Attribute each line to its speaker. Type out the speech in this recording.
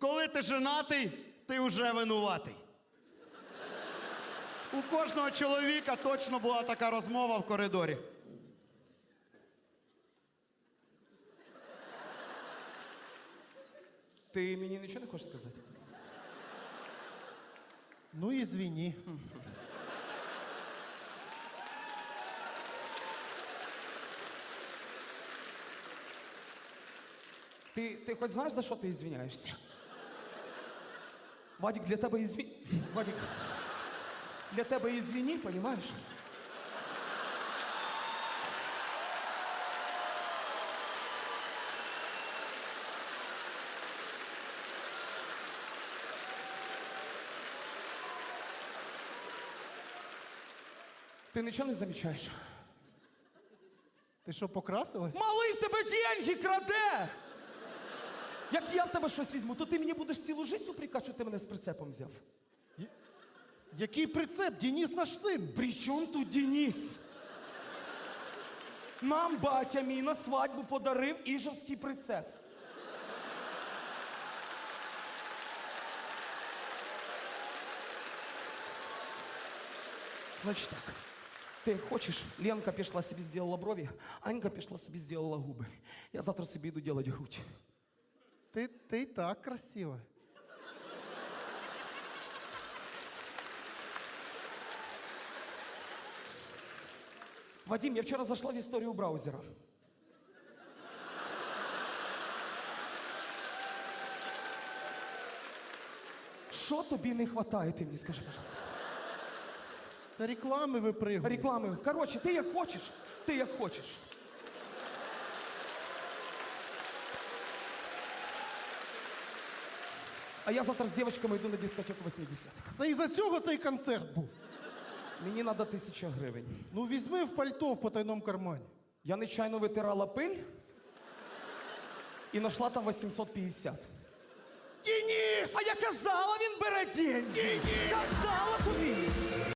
Speaker 1: коли ти женатий, ти вже винуватий. У кожного чоловіка точно була така розмова в коридорі.
Speaker 2: Ти мені нічого не хочеш сказати?
Speaker 3: Ну, извини.
Speaker 2: Ти хоч знаєш, за що ти ізвиняєшся? Вадик, для тебе Вадик, для тебе ізвини, понімаєш? Ти нічого не замічаєш?
Speaker 3: Ти що, покрасилась?
Speaker 2: Малий в тебе деньги краде! Як я в тебе щось візьму, то ти мені будеш цілу життя упрекати, що ти мене з прицепом взяв.
Speaker 3: Який прицеп? Денис наш син.
Speaker 2: При чому тут Денис? Нам батя мій на свадьбу подарив іжевський прицеп. Значить так. Ти як хочеш, Ленка пішла собі зробила брові, Анька пішла собі зробила губи. Я завтра собі йду робити грудь.
Speaker 3: Ти і так красива.
Speaker 2: Вадим, я вчора зайшла в історію браузера. Що тобі не вистачає, ти мені скажи, пожалуйста.
Speaker 3: Це реклами випригують.
Speaker 2: Реклами. Коротше, ти як хочеш, ти як хочеш. А я завтра з дівчатками йду на дискотеку 80-х.
Speaker 3: Це із-за цього цей концерт був.
Speaker 2: Мені треба 1000 гривень.
Speaker 3: Ну, візьми в пальто в потайному кармані.
Speaker 2: Я нечайно витирала пиль і знайшла там 850.
Speaker 3: Денис!
Speaker 2: А я казала, він бере деньги! Казала тобі!